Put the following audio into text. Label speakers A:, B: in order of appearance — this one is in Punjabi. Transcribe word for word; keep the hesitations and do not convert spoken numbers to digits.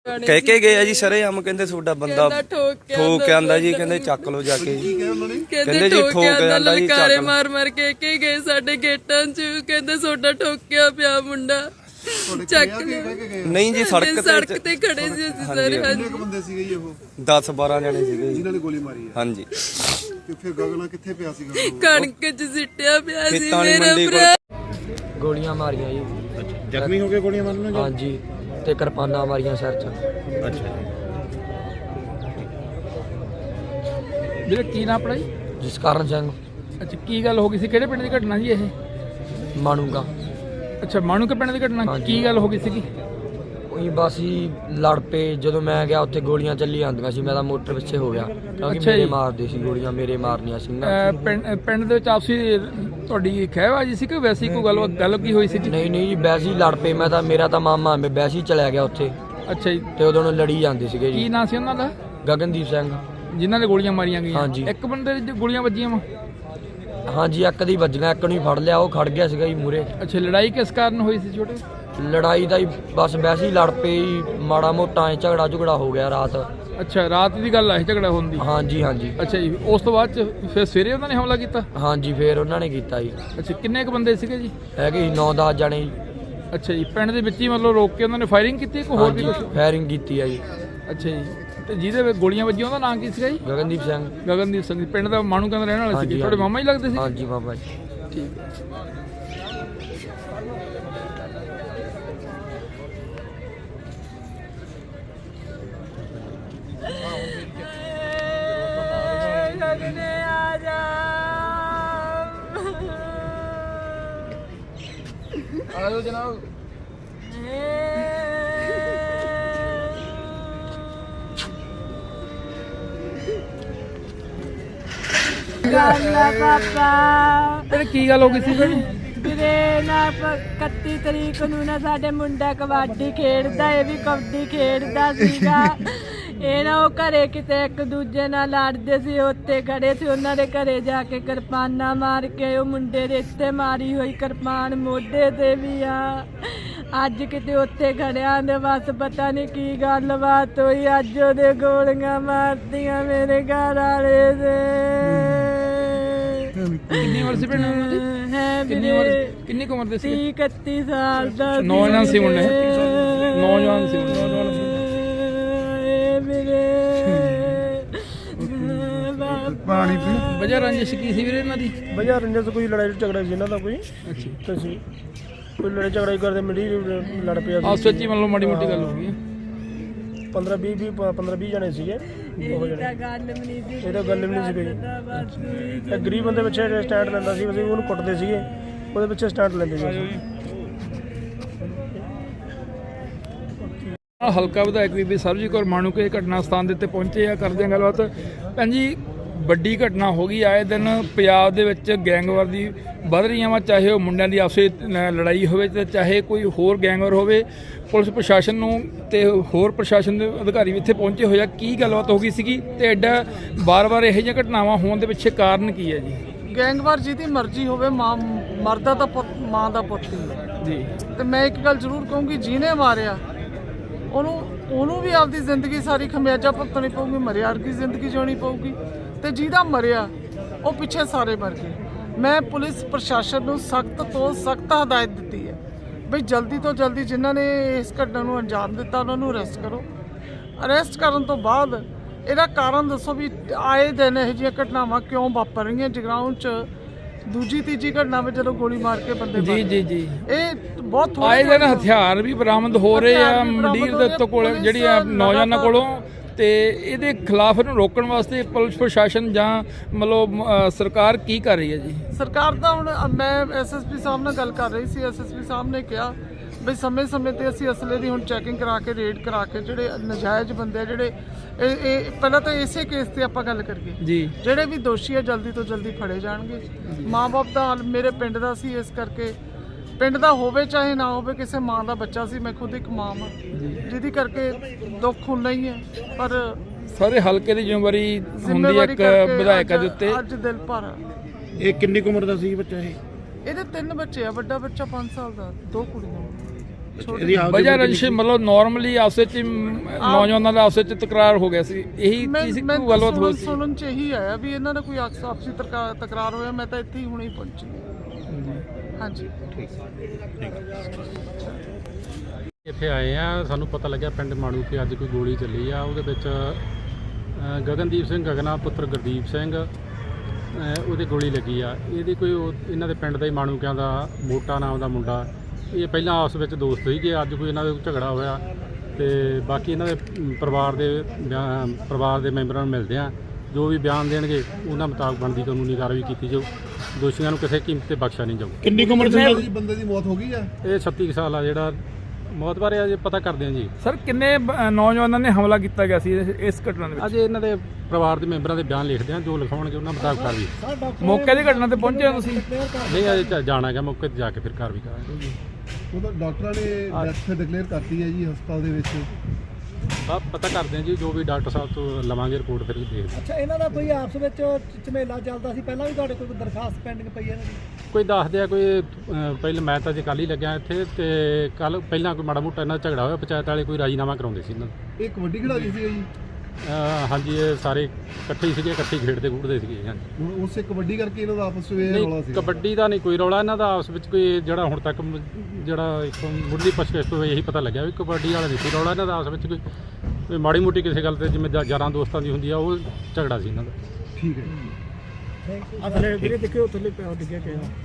A: ਕਹਿ ਕੇ ਗਏ ਆ ਜੀ ਸਰੇਆਮ, ਕਹਿੰਦੇ ਤੁਹਾਡਾ ਬੰਦਾ ਠੋਕ ਕੇ ਆਂਦਾ ਜੀ, ਕਹਿੰਦੇ ਚੱਕ ਲੋ ਜਾ ਕੇ।
B: ਕਹਿੰਦੇ ਜੀ ਠੋਕ ਕੇ ਆਂਦਾ ਜੀ, ਲਲਕਾਰੇ ਮਾਰ ਮਾਰ ਕੇ ਕੇ ਗਏ ਸਾਡੇ ਗੇਟਾਂ 'ਚ, ਕਹਿੰਦੇ ਤੁਹਾਡਾ ਠੋਕਿਆ ਪਿਆ ਮੁੰਡਾ ਚੱਕ
A: ਨਹੀਂ ਜੀ, ਸੜਕ
B: ਸੜਕ ਤੇ ਖੜੇ ਸੀ ਅਸੀਂ ਸਾਰੇ।
C: ਕਿੰਨੇ ਕੁ ਬੰਦੇ ਸੀਗੇ ਜੀ ਉਹ?
A: ਦਸ ਬਾਰਾਂ ਜਣੇ ਸੀਗੇ
C: ਜਿਨ੍ਹਾਂ ਨੇ ਗੋਲੀ ਮਾਰੀ ਹੈ।
A: ਹਾਂਜੀ।
C: ਤੇ ਫਿਰ ਗਗਨਾ ਕਿੱਥੇ ਪਿਆ ਸੀਗਾ?
B: ਕਣਕ 'ਚ ਸਿੱਟਿਆ ਪਿਆ ਸੀ ਮੇਰਾ ਭਰਾ।
D: ਗੋਲੀਆਂ ਮਾਰੀਆਂ ਜੀ।
E: ਅੱਛਾ, ਜ਼ਖਮੀ ਹੋ ਕੇ ਗੋਲੀਆਂ ਮਾਰਨ?
D: ਹਾਂਜੀ, ਤੇ ਕਿਰਪਾਨਾਂ ਮਾਰੀਆਂ ਸਿਰ 'ਚ।
E: ਅੱਛਾ
F: ਵੀਰੇ ਕੀ ਨਾਮ ਆਪਣਾ ਜੀ?
D: ਜਸਕਰਨ ਸਿੰਘ।
F: ਅੱਛਾ, ਕੀ ਗੱਲ ਹੋ ਗਈ ਸੀ? ਕਿਹੜੇ ਪਿੰਡ ਦੀ ਘਟਨਾ ਜੀ ਇਹ?
D: ਮਾਨੂਗਾ।
F: ਅੱਛਾ, ਮਾਣੂਕੇ ਪਿੰਡ ਦੀ ਘਟਨਾ। ਕੀ ਗੱਲ ਹੋ ਗਈ ਸੀਗੀ?
D: ਉਹੀ ਬਸ ਹੀ ਲੜ ਪਏ। ਜਦੋਂ ਮੈਂ ਗਿਆ ਉੱਥੇ ਗੋਲੀਆਂ ਚੱਲੀ ਜਾਂਦੀਆਂ ਸੀ, ਮੈਂ ਤਾਂ ਮੋਟਰ ਪਿੱਛੇ ਹੋ ਗਿਆ ਕਿਉਂਕਿ
F: ਅੱਛਾ
D: ਮੇਰੇ
F: ਜੀ।
D: ਮਾਰਦੇ ਸੀ ਗੋਲੀਆਂ, ਮੇਰੇ ਮਾਰਨੀਆਂ ਸੀ ਨਾ।
F: ਅਹ ਪਿੰਡ ਪਿੰਡ ਦੇ ਵਿੱਚ ਆਪਸੀ ਤੁਹਾਡੀ ਖਹਿਬਾਜੀ ਸੀ ਕਿ ਵੈਸੀ ਕੋਈ ਗੱਲ ਗੱਲ ਕੀ ਹੋਈ ਸੀ?
D: ਨਹੀਂ ਨਹੀਂ ਜੀ, ਵੈਸੇ ਹੀ ਲੜ ਪਏ। ਮੈਂ ਤਾਂ ਮੇਰਾ ਤਾਂ ਮਾਮਾ ਮੈਂ ਵੈਸੇ ਹੀ ਚਲਿਆ ਗਿਆ ਉੱਥੇ,
F: ਅੱਛਾ ਜੀ।
D: ਤੇ ਉਦੋਂ ਨੂੰ ਲੜੀ ਜਾਂਦੇ ਸੀਗੇ
F: ਕੀ
D: ਜੀ।
F: ਨਾਂ ਸੀ ਉਹਨਾਂ ਦਾ?
D: ਗਗਨਦੀਪ ਸਿੰਘ।
F: ਜਿਨ੍ਹਾਂ ਨੇ ਗੋਲੀਆਂ ਮਾਰੀਆਂ ਗਈਆਂ?
D: ਹਾਂਜੀ।
F: ਇੱਕ ਬੰਦੇ ਦੇ ਗੋਲੀਆਂ ਵੱਜੀਆਂ ਵਾ?
D: ਹਾਂਜੀ, ਇੱਕ ਦੀ ਵੱਜੀਆਂ, ਇੱਕ ਨੂੰ ਹੀ ਫੜ ਲਿਆ, ਉਹ ਖੜ ਗਿਆ ਸੀਗਾ ਜੀ ਮੂਰੇ।
F: ਅੱਛਾ, ਲੜਾਈ ਕਿਸ ਕਾਰਨ ਹੋਈ ਸੀ ਛੋਟੇ?
D: ਲੜਾਈ ਦਾ ਹੀ ਬਸ ਵੈਸੇ ਹੀ ਲੜ ਪਏ ਜੀ, ਮਾੜਾ ਮੋਟਾ ਐ ਝਗੜਾ ਝੁਗੜਾ ਹੋ ਗਿਆ ਰਾਤ।
F: ਅੱਛਾ, ਰਾਤ ਦੀ ਗੱਲ ਹੈ ਝਗੜਾ ਹੋਣ ਦੀ?
D: ਹਾਂਜੀ ਹਾਂਜੀ।
F: ਅੱਛਾ ਜੀ, ਉਸ ਤੋਂ ਬਾਅਦ ਚ ਫਿਰ ਸਵੇਰੇ ਉਹਨਾਂ ਨੇ ਹਮਲਾ ਕੀਤਾ?
D: ਹਾਂਜੀ, ਫੇਰ ਉਹਨਾਂ ਨੇ ਕੀਤਾ ਜੀ।
F: ਅੱਛਾ, ਕਿੰਨੇ ਕੁ ਬੰਦੇ ਸੀਗੇ ਜੀ?
D: ਹੈਗੇ ਸੀ ਨੌ ਦਸ ਜਣੇ ਜੀ।
F: ਅੱਛਾ ਜੀ, ਪਿੰਡ ਦੇ ਵਿੱਚ ਹੀ ਮਤਲਬ ਰੋਕ ਕੇ ਉਹਨਾਂ ਨੇ ਫਾਇਰਿੰਗ ਕੀਤੀ ਕਿ ਹੋਰ ਵੀ
D: ਹਾਂਜੀ,
F: ਕੁਝ?
D: ਫਾਇਰਿੰਗ ਕੀਤੀ ਆ ਜੀ।
F: ਅੱਛਾ ਜੀ, ਤੇ ਜਿਹਦੇ ਵਿੱਚ ਗੋਲੀਆਂ ਵੱਜੀਆਂ ਉਹਦਾ ਨਾਂ ਕੀ ਸੀਗਾ ਜੀ?
D: ਗਗਨਦੀਪ ਸਿੰਘ।
F: ਗਗਨਦੀਪ ਸਿੰਘ ਜੀ, ਪਿੰਡ ਦਾ ਮਾਣੂਕੇ ਦਾ ਰਹਿਣ ਵਾਲਾ ਸੀ।
D: ਹਾਂਜੀ,
F: ਤੁਹਾਡੇ ਮਾਮਾ ਹੀ ਲੱਗਦੇ ਸੀ?
D: ਹਾਂਜੀ ਬਾਬਾ ਜੀ।
F: ਠੀਕ ਹੈ। ਆਜੋ ਜਨਾਬ।
G: ਪਾਪਾ
F: ਇਹ ਕੀ ਗੱਲ ਹੋ ਗਈ ਸੀ ਭੈਣ?
G: ਵੀਰੇ ਨਾ ਇਕੱਤੀ ਤਰੀਕ ਨੂੰ ਨਾ ਸਾਡੇ ਮੁੰਡਾ ਕਬੱਡੀ ਖੇਡਦਾ, ਇਹ ਵੀ ਕਬੱਡੀ ਖੇਡਦਾ ਸੀਗਾ। ਇਹ ਨਾ ਉਹ ਘਰੇ ਕਿਤੇ ਇੱਕ ਦੂਜੇ ਨਾਲ ਲੜਦੇ ਸੀ, ਉੱਤੇ ਖੜੇ ਸੀ। ਉਹਨਾਂ ਦੇ ਘਰੇ ਜਾ ਕੇ ਕਿਰਪਾਨਾਂ ਮਾਰ ਕੇ ਉਹ ਮੁੰਡੇ ਦੇ ਇੱਥੇ ਮਾਰੀ ਹੋਈ ਕਿਰਪਾਨ ਮੋਢੇ ਤੇ ਵੀ ਆ। ਅੱਜ ਕਿਤੇ ਉੱਥੇ ਖੜਿਆਂ ਦੇ ਬਸ ਪਤਾ ਨਹੀਂ ਕੀ ਗੱਲਬਾਤ ਹੋਈ, ਅੱਜ ਉਹਦੇ ਗੋਲੀਆਂ ਮਾਰਤੀਆਂ ਮੇਰੇ ਘਰ ਵਾਲੇ ਦੇ।
F: ਕਿੰਨੀ ਉਮਰ ਸੀ ਭੈਣ ਉਹਨਾਂ ਦੀ?
G: ਹੈ
F: ਕਿੰਨੀ ਉਮਰ
G: ਵੀਰੇ
F: ਕਿੰਨੀ ਕੁ ਉਮਰ ਦੇ ਸੀ?
G: ਤੀਹ ਇਕੱਤੀ ਸਾਲ ਦਾ
F: ਨੌਜਵਾਨ ਸੀ ਮੁੰਡੇ? ਨੌਜਵਾਨ ਸੀ ਨੌਜਵਾਨ ਸੀ।
C: ਪਾਣੀ ਪੀ।
F: ਵਜ੍ਹਾ ਰੰਜਿਸ਼ ਕੀ ਸੀ ਵੀਰੇ ਇਹਨਾਂ ਦੀ?
H: ਵਜ੍ਹਾ ਰੰਜਿਸ਼ ਕੋਈ ਲੜਾਈ ਝਗੜਾ ਸੀ ਇਹਨਾਂ ਦਾ ਕੋਈ।
F: ਅੱਛਾ,
H: ਤੁਸੀਂ ਕੋਈ ਲੜਾਈ ਝਗੜਾ ਹੀ ਕਰਦੇ ਮਿਲੀ ਲੜ ਪਿਆ ਸੀ।
F: ਆਪਸ ਵਿੱਚ ਹੀ ਮਤਲਬ ਮਾੜੀ ਮੋਟੀ ਗੱਲ ਹੋ ਗਈ ਹੈ।
H: ਪੰਦਰਾਂ ਵੀਹ ਵੀਹ ਪੰਦਰਾਂ ਵੀਹ ਜਣੇ ਸੀਗੇ ਉਹ ਜਣੇ।
G: ਗੱਲ ਵੀ ਨਹੀਂ ਸੀ,
H: ਇਹ ਤਾਂ ਗੱਲ ਵੀ ਨਹੀਂ ਸੀ ਕੋਈ। ਇਹ ਗਰੀਬ ਬੰਦੇ ਪਿੱਛੇ ਸਟੈਂਡ ਲੈਂਦਾ ਸੀ, ਅਸੀਂ ਉਹਨੂੰ ਕੁੱਟਦੇ ਸੀਗੇ, ਉਹਦੇ ਪਿੱਛੇ ਸਟੈਂਡ ਲੈਂਦੇ ਸੀ।
F: ਹਲਕਾ ਵਿਧਾਇਕ ਬੀਬੀ ਸਰਬਜੀਤ ਕੌਰ ਮਾਣੂਕੇ ਘਟਨਾ ਸਥਾਨ ਦੇ ਉੱਤੇ ਪਹੁੰਚੇ ਆ, ਕਰਦੇ ਆ ਗੱਲਬਾਤ। ਭੈਣ ਜੀ, ਵੱਡੀ ਘਟਨਾ ਹੋ ਗਈ। ਆਏ ਦਿਨ ਪੰਜਾਬ ਦੇ ਵਿੱਚ ਗੈਂਗਵਾਰ ਦੀ ਵੱਧ ਰਹੀਆਂ ਵਾ, ਚਾਹੇ ਉਹ ਮੁੰਡਿਆਂ ਦੀ ਆਪਸੇ ਲੜਾਈ ਹੋਵੇ ਤੇ ਚਾਹੇ ਕੋਈ ਹੋਰ ਗੈਂਗਵਾਰ ਹੋਵੇ। ਪੁਲਿਸ ਪ੍ਰਸ਼ਾਸਨ ਨੂੰ ਤੇ ਹੋਰ ਪ੍ਰਸ਼ਾਸਨ ਦੇ ਅਧਿਕਾਰੀ ਵੀ ਇੱਥੇ ਪਹੁੰਚੇ ਹੋਏ ਆ। ਕੀ ਗੱਲਬਾਤ ਹੋ ਗਈ ਸੀਗੀ ਤੇ ਐਡਾ ਵਾਰ-ਵਾਰ ਇਹੋ ਜਿਹੀਆਂ ਘਟਨਾਵਾਂ ਹੋਣ ਦੇ ਪਿੱਛੇ ਕਾਰਨ ਕੀ ਹੈ ਜੀ?
I: ਗੈਂਗਵਾਰ ਜਿਹਦੀ ਮਰਜ਼ੀ ਹੋਵੇ, ਮਾਂ ਮਰਦਾ ਤਾਂ ਪੁੱਤ ਮਾਂ ਦਾ ਪੁੱਤ ਹੀ ਹੈ
F: ਜੀ।
I: ਤੇ ਮੈਂ ਇੱਕ ਗੱਲ ਜ਼ਰੂਰ ਕਹੂੰਗੀ, ਜਿਹਨੇ ਮਾਰਿਆ ਉਹਨੂੰ ਉਹਨੂੰ ਵੀ ਆਪਦੀ ਜ਼ਿੰਦਗੀ ਸਾਰੀ ਖਮਿਆਜਾ ਭੁਗਤਣੀ ਪਊਗੀ, ਮਰਿਆ ਵਰਗੀ ਜ਼ਿੰਦਗੀ ਜਿਉਣੀ ਪਊਗੀ। ਤੇ ਜਿਹਦਾ ਮਰਿਆ ਉਹ ਪਿੱਛੇ ਸਾਰੇ ਮਰ ਗਏ। ਮੈਂ ਪੁਲਿਸ ਪ੍ਰਸ਼ਾਸਨ ਨੂੰ ਸਖਤ ਤੋਂ ਸਖਤ ਹਦਾਇਤ ਦਿੱਤੀ ਹੈ ਬਈ ਜਲਦੀ ਤੋਂ ਜਲਦੀ ਜਿਨ੍ਹਾਂ ਨੇ ਇਸ ਘਟਨਾ ਨੂੰ ਅੰਜਾਮ ਦਿੱਤਾ ਉਹਨਾਂ ਨੂੰ ਅਰੈਸਟ ਕਰੋ। ਅਰੈਸਟ ਕਰਨ ਤੋਂ ਬਾਅਦ ਇਹਦਾ ਕਾਰਨ ਦੱਸੋ ਵੀ ਆਏ ਦਿਨ ਇਹੋ ਜਿਹੀਆਂ ਘਟਨਾਵਾਂ ਕਿਉਂ ਵਾਪਰ ਰਹੀਆਂ। ਜਗਰਾਉਂ 'ਚ ਦੂਜੀ ਤੀਜੀ ਘਟਨਾ ਵਿੱਚ ਜਦੋਂ ਗੋਲੀ ਮਾਰ ਕੇ ਬੰਦੇ
F: ਜੀ ਜੀ ਜੀ
I: ਇਹ ਬਹੁਤ
F: ਆਏ ਦਿਨ ਹਥਿਆਰ ਵੀ ਬਰਾਮਦ ਹੋ ਰਹੇ ਆ ਮੰਡੀਰ ਦੇ ਉੱਤੇ ਕੋਲ ਜਿਹੜੀ ਆ ਨੌਜਵਾਨਾਂ ਕੋਲੋਂ। ਤੇ ਇਹਦੇ ਖਿਲਾਫ ਇਹਨੂੰ ਰੋਕਣ ਵਾਸਤੇ ਪੁਲਿਸ ਪ੍ਰਸ਼ਾਸਨ ਜਾਂ ਮਤਲਬ ਸਰਕਾਰ ਕੀ ਕਰ ਰਹੀ ਹੈ ਜੀ?
I: ਸਰਕਾਰ ਤਾਂ ਹੁਣ ਮੈਂ ਐਸਐਸਪੀ ਸਾਹਿਬ ਨਾਲ ਗੱਲ ਕਰ ਰਹੀ ਸੀ। ਐਸਐਸਪੀ ਸਾਹਿਬ ਨੇ ਕਿਹਾ ਬਈ ਸਮੇਂ ਸਮੇਂ ਤੇ ਅਸੀਂ ਅਸਲੇ ਦੀ ਹੁਣ ਚੈਕਿੰਗ ਕਰਾ ਕੇ ਰੇਡ ਕਰਾ ਕੇ ਜਿਹੜੇ ਨਜਾਇਜ਼ ਬੰਦੇ ਆ ਜਿਹੜੇ ਇਹ ਇਹ ਪਹਿਲਾਂ ਤਾਂ ਇਸੇ ਕੇਸ ਤੇ ਆਪਾਂ ਗੱਲ ਕਰੀਏ
F: ਜੀ,
I: ਜਿਹੜੇ ਵੀ ਦੋਸ਼ੀ ਆ ਜਲਦੀ ਤੋਂ ਜਲਦੀ ਫੜੇ ਜਾਣਗੇ। ਮਾਂ ਬਾਪ ਦਾ ਹਾਲ ਮੇਰੇ ਪਿੰਡ ਦਾ ਸੀ, ਇਸ ਕਰਕੇ ਪਿੰਡ ਦਾ ਹੋਵੇ ਚਾਹੇ ਨਾ ਹੋਵੇ, ਕਿਸੇ ਮਾਂ ਦਾ ਬੱਚਾ ਸੀ। ਮੈਂ ਖੁਦ ਇੱਕ ਮਾਂ ਹਾਂ ਜਿਹਦੀ ਕਰਕੇ ਦੁੱਖ ਹੁੰਦਾ ਹੀ ਹੈ, ਪਰ
F: ਸਾਰੇ ਹਲਕੇ ਦੀ ਜ਼ਿੰਮੇਵਾਰੀ ਹੁੰਦੀ ਹੈ ਇੱਕ ਵਿਧਾਇਕਾਂ ਦੇ ਉੱਤੇ।
I: ਅੱਜ ਦਿਲ ਭਰ।
E: ਇਹ ਕਿੰਨੀ ਕੁ ਉਮਰ ਦਾ ਸੀ ਬੱਚਾ? ਇਹ
I: ਇਹਦੇ ਤਿੰਨ ਬੱਚੇ ਆ, ਵੱਡਾ ਬੱਚਾ ਪੰਜ ਸਾਲ ਦਾ, ਦੋ ਕੁੜੀਆਂ।
E: ਇਹਦੀ ਆਪਦੀ
F: ਵਜ੍ਹਾ ਰੰਜਿਸ਼ ਮਤਲਬ ਨਾਰਮਲੀ ਆਪਸ ਵਿੱਚ ਹੀ, ਮ, ਨੌਜਵਾਨਾਂ ਦਾ ਆਪਸ ਵਿੱਚ ਤਕਰਾਰ ਹੋ ਗਿਆ ਸੀ, ਇਹੀ
I: ਮੈਂ
F: ਚੀਜ਼
I: ਮੈਂ
F: ਕੋਈ ਗੱਲਬਾਤ ਹੋਈ
I: ਸੁਣਨ
F: ਸੀ?
I: ਸੁਣਨ ਚ ਇਹੀ ਆਇਆ ਵੀ ਇਹਨਾਂ ਦਾ ਕੋਈ ਆਪਸ- ਆਪਸੀ ਤਕਰਾ- ਤਕਰਾਰ ਹੋਇਆ। ਮੈਂ ਤਾਂ ਇੱਥੇ ਹੀ ਹੁਣੇ ਹੀ ਪਹੁੰਚੀ। ਹਾਂਜੀ
J: ਇੱਥੇ ਆਏ ਆ, ਸਾਨੂੰ ਪਤਾ ਲੱਗਿਆ ਪਿੰਡ ਮਾਣੂ ਕਿ ਅੱਜ ਕੋਈ ਗੋਲੀ ਚੱਲੀ ਆ। ਉਹਦੇ ਵਿੱਚ ਅ, ਗਗਨਦੀਪ ਸਿੰਘ ਗਗਨਾ ਪੁੱਤਰ ਗੁਰਦੀਪ ਸਿੰਘ, ਅ, ਉਹਦੇ ਗੋਲੀ ਲੱਗੀ ਆ। ਇਹਦੀ ਕੋਈ ਉਹ- ਇਹਨਾਂ ਦੇ ਪਿੰਡ ਦਾ ਹੀ ਮਾਣੂਕਿਆਂ ਦਾ ਮੋਟਾ ਨਾਮ ਦਾ ਮੁੰਡਾ, ਇਹ ਪਹਿਲਾਂ ਆਪਸ ਵਿੱਚ ਦੋਸਤ ਸੀਗੇ, ਅੱਜ ਕੋਈ ਇਹਨਾਂ ਦੇ ਝਗੜਾ ਹੋਇਆ ਤੇ ਬਾਕੀ ਇਹਨਾਂ ਦੇ ਅਮ, ਪਰਿਵਾਰ ਦੇ ਬਿਆਨ- ਪਰਿਵਾਰ ਦੇ ਮੈਂਬਰਾਂ ਨੂੰ ਮਿਲਦੇ ਆ, ਜੋ ਵੀ ਬਿਆਨ ਦੇਣਗੇ ਉਹਨਾਂ ਮੁਤਾਬਕ ਬਣਦੀ ਕਾਨੂੰਨੀ ਕਾਰਵਾਈ ਕੀਤੀ ਜਾਊ। ਦੋਸ਼ੀਆਂ ਨੂੰ ਕਿਸੇ ਕੀਮਤ ਤੇ ਬਖਸ਼ਿਆ ਨਹੀਂ ਜਾਊ।
E: ਕਿੰਨੀ ਕੁ ਉਮਰ ਸੀ
C: ਜੀ ਬੰਦੇ ਦੀ ਮੌਤ ਹੋ ਗਈ ਆ?
J: ਇਹ ਛੱਤੀ ਕੁ ਸਾਲ ਆ ਜਿਹੜਾ ਮੌਤ ਬਾਰੇ ਅਜੇ ਪਤਾ ਕਰਦੇ ਆ ਜੀ।
F: ਸਰ ਕਿੰਨੇ ਬ- ਨੌਜਵਾਨਾਂ ਨੇ ਹਮਲਾ ਕੀਤਾ ਗਿਆ ਸੀ ਇਸ- ਇਸ ਘਟਨਾ ਦੇ ਵਿੱਚ?
J: ਅੱਜ ਇਹਨਾਂ ਦੇ ਪਰਿਵਾਰ ਦੇ ਮੈਂਬਰਾਂ ਦੇ ਬਿਆਨ ਲਿਖਦੇ ਆ, ਜੋ ਲਿਖਾਉਣਗੇ ਉਹਨਾਂ ਮੁਤਾਬਕ ਕਾਰਵਾਈ।
F: ਮੌਕੇ ਦੀ ਘਟਨਾ ਤੇ ਪਹੁੰਚੇ ਹੋ ਤੁਸੀਂ?
J: ਨਹੀਂ ਅਜੇ ਤਾਂ ਜਾਣਾ ਹੈਗਾ, ਮੌਕੇ ਤੇ ਜਾ ਕੇ ਫਿਰ ਕਾਰਵਾਈ ਕਰਾਂਗੇ।
C: ਉਹਦਾ ਡਾਕਟਰਾਂ ਨੇ ਡੈਥ ਡਿਕਲੇਅਰ ਕਰਤੀ ਹੈ ਜੀ ਹਸਪਤਾਲ ਦੇ ਵਿੱਚ।
J: ਬਸ ਪਤਾ ਕਰਦੇ ਆ ਜੀ, ਜੋ ਵੀ ਡਾਕਟਰ ਸਾਹਿਬ ਤੋਂ ਲਵਾਂਗੇ ਰਿਪੋਰਟ ਫਿਰ ਦੇਖਦੇ ਹਾਂ।
K: ਅੱਛਾ, ਇਹਨਾਂ ਦਾ ਕੋਈ ਆਪਸ ਵਿੱਚ ਝਮੇਲਾ ਚੱਲਦਾ ਸੀ ਪਹਿਲਾਂ ਵੀ? ਤੁਹਾਡੇ ਕੋਲ ਕੋਈ ਦਰਖਾਸਤ ਪੈਂਡਿੰਗ ਪਈ ਹੈ ਇਹਨਾਂ ਦੀ?
J: ਕੋਈ ਦੱਸਦੇ ਆ ਕੋਈ ਅ, ਪਹਿਲਾਂ ਮੈਂ ਤਾਂ ਜੇ ਕੱਲ੍ਹ ਹੀ ਲੱਗਿਆ ਇੱਥੇ, ਤੇ ਕੱਲ ਪਹਿਲਾਂ ਕੋਈ ਮਾੜਾ ਮੋਟਾ ਇਹਨਾਂ ਦਾ ਝਗੜਾ ਹੋਇਆ, ਪੰਚਾਇਤ ਵਾਲੇ ਕੋਈ ਰਾਜੀਨਾਮਾ ਕਰਾਉਂਦੇ ਸੀ ਇਹਨਾਂ ਦਾ।
C: ਇਹ ਕਬੱਡੀ ਖਿਡਾਰੀ ਸੀਗਾ ਜੀ?
J: ਅ, ਹਾਂਜੀ ਇਹ ਸਾਰੇ ਇਕੱਠੇ ਹੀ ਸੀਗੇ, ਇਕੱਠੇ ਹੀ ਖੇਡਦੇ ਖੂਡਦੇ ਸੀਗੇ। ਹਾਂਜੀ
C: ਹੁਣ ਉਸੇ ਕਬੱਡੀ ਕਰਕੇ ਇਹਨਾਂ ਦਾ ਆਪਸ ਵਿੱਚ ਇਹ ਰੌਲਾ
J: ਨਹੀਂ,
C: ਸੀ?
J: ਕਬੱਡੀ ਦਾ ਨਹੀਂ ਕੋਈ ਰੌਲਾ ਇਹਨਾਂ ਦਾ ਆਪਸ ਵਿੱਚ। ਕੋਈ ਜਿਹੜਾ ਹੁਣ ਤੱਕ ਮ- ਜਿਹੜਾ ਇੱਕ ਮੁੱਢਲੀ ਪੁੱਛਗਿੱਛ ਤੋਂ ਇਹੀ ਪਤਾ ਲੱਗਿਆ ਵੀ ਕਬੱਡੀ ਵਾਲਾ ਨਹੀਂ ਸੀ ਰੌਲਾ ਇਹਨਾਂ ਦਾ ਆਪਸ ਵਿੱਚ। ਕੋਈ ਕੋਈ ਮਾੜੀ ਮੋਟੀ ਕਿਸੇ ਗੱਲ ਤੇ ਜਿਵੇਂ ਯਾਰਾਂ ਦੋਸਤਾਂ ਦੀ ਹੁੰਦੀ ਆ, ਉਹ ਝਗੜਾ ਸੀ ਇਹਨਾਂ ਦਾ।
C: ਠੀਕ ਹੈ ਜੀ।
K: ਅਸਲੇ ਵੀਰੇ ਦੇਖਿਓ ਥੱਲੇ ਪਿਆ ਡਿੱਗਿਆ ਕਿਹਾ